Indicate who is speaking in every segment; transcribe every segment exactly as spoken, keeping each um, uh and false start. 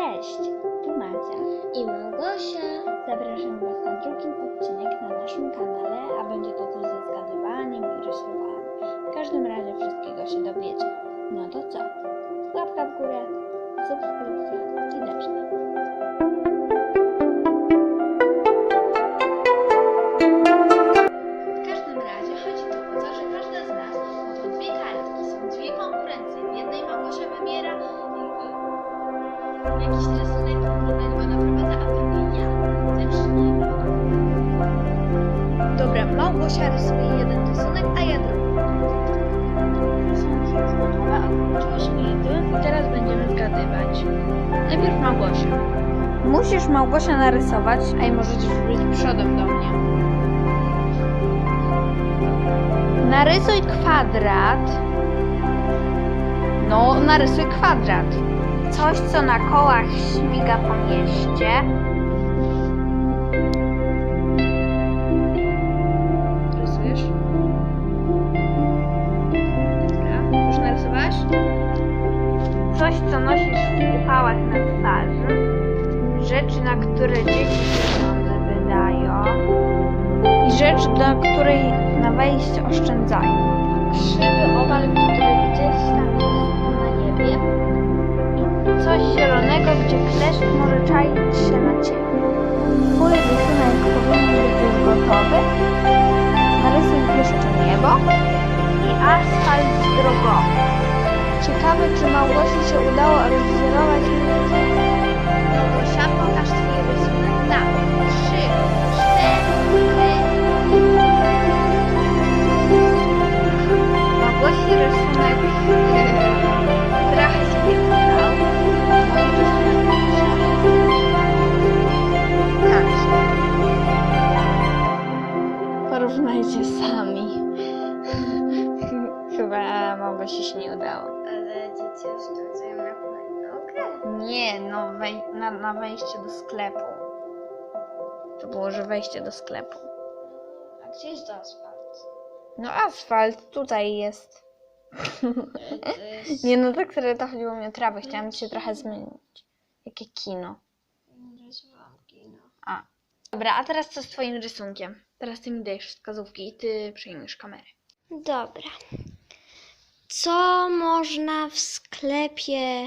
Speaker 1: Cześć, tu Macia
Speaker 2: i Małgosia.
Speaker 1: Zapraszam Was na drugi odcinek na naszym kanale, a będzie to coś ze zgadywaniem i rysowaniem. W każdym razie wszystkiego się dowiecie. No to co? Łapka w górę, subskrypcja i zaczynamy. W każdym razie chodzi tu o to, że każda z nas ma po dwie kartki. Są dwie konkurencje. W jednej Małgosia wybiera jakiś rysunek, który go naprowadza, a w drugiej ja. Zacznijmy. Dobra, Małgosia rysuje jeden rysunek, a ja drugi. Rysunki już gotowe, a włączyłyśmy jedyny i teraz będziemy zgadywać. Najpierw Małgosia. Musisz, Małgosia, narysować, a i możesz być przodem do mnie. Narysuj kwadrat. No, narysuj kwadrat. Coś, co na kołach śmiga po mieście. Rysujesz? Dobra, już narysowałaś? Coś, co nosisz w upałach na twarzy. Rzeczy, na które dzieci pieniądze wydają. I rzecz, do której na wejście oszczędzają. Krzywy owal, który gdzieś tam jest na niebie. I coś zielonego, gdzie kleszcz może czaić się na ciebie. Twój rysunek powinien być już gotowy. Narysuj jeszcze niebo i asfalt drogowy. Ciekawe, czy Małgosi się udało rozwzorować ludzi. Małgosia, pokaż twój rysunek na trzy, cztery. Małgosi rysunek trochę się nie udał. Mój rysunek tak. Porównajcie sami. Chyba Małgosi się nie udało.
Speaker 2: Ale dzieci oszczędzają na hulajnogę.
Speaker 1: Nie, no wej na, na wejście do sklepu. To było, że wejście do sklepu.
Speaker 2: A gdzie jest to asfalt?
Speaker 1: No asfalt tutaj jest.
Speaker 2: To jest...
Speaker 1: Nie no, tak serio to chodziło mi o trawę. Chciałam się trochę zmienić. Jakie kino.
Speaker 2: Rysowałam kino.
Speaker 1: A. Dobra, a teraz co z twoim rysunkiem? Teraz ty mi dajesz wskazówki i ty przejmiesz kamerę.
Speaker 2: Dobra. Co można w sklepie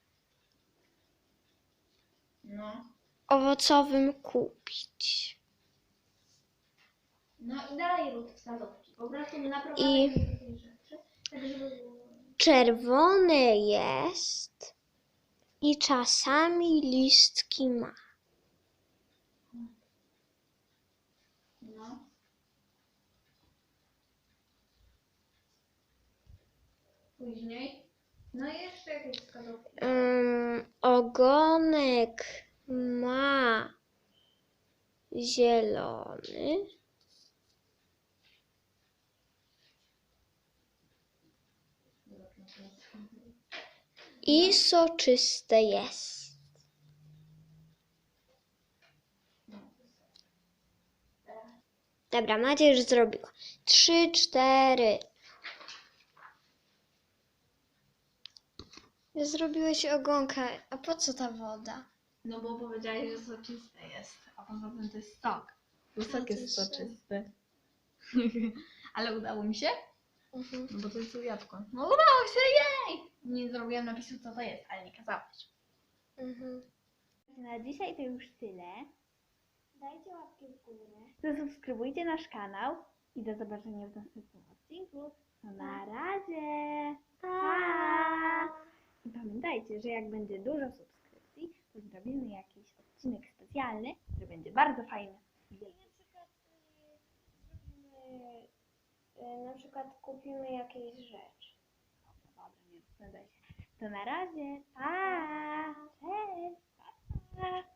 Speaker 1: No.
Speaker 2: owocowym kupić?
Speaker 1: No i dalej rób wskazówki. Po prostu
Speaker 2: I
Speaker 1: takie rzeczy. Tak, żeby...
Speaker 2: czerwone jest i czasami listki ma.
Speaker 1: No. Później. No i jeszcze jakieś wskazówki.
Speaker 2: Um, ogonek ma zielony. I soczyste jest. Dobra, Macie już zrobiła. Trzy, cztery. Zrobiłeś ogonka. A po co ta woda?
Speaker 1: No bo powiedziałeś, że soczyste jest, a poza tym to jest sok. Bo sok
Speaker 2: to
Speaker 1: jest
Speaker 2: jest
Speaker 1: soczysty. Ale udało mi się?
Speaker 2: Mhm.
Speaker 1: No bo to jest jabłko. No udało się, jej! Nie zrobiłam napisu, co to jest, ale nie kazałeś.
Speaker 2: Mhm.
Speaker 1: Na dzisiaj to już tyle. Dajcie łapkę w górę. Zasubskrybujcie nasz kanał i do zobaczenia w następnym odcinku. No na razie! Pa! I pamiętajcie, że jak będzie dużo subskrypcji, to zrobimy jakiś odcinek specjalny, który będzie bardzo fajny.
Speaker 2: Na przykład y, zrobimy, y, na przykład kupimy jakieś rzeczy.
Speaker 1: Dobra, nie rozpędzaj się. To na razie. Pa! Cześć! Pa!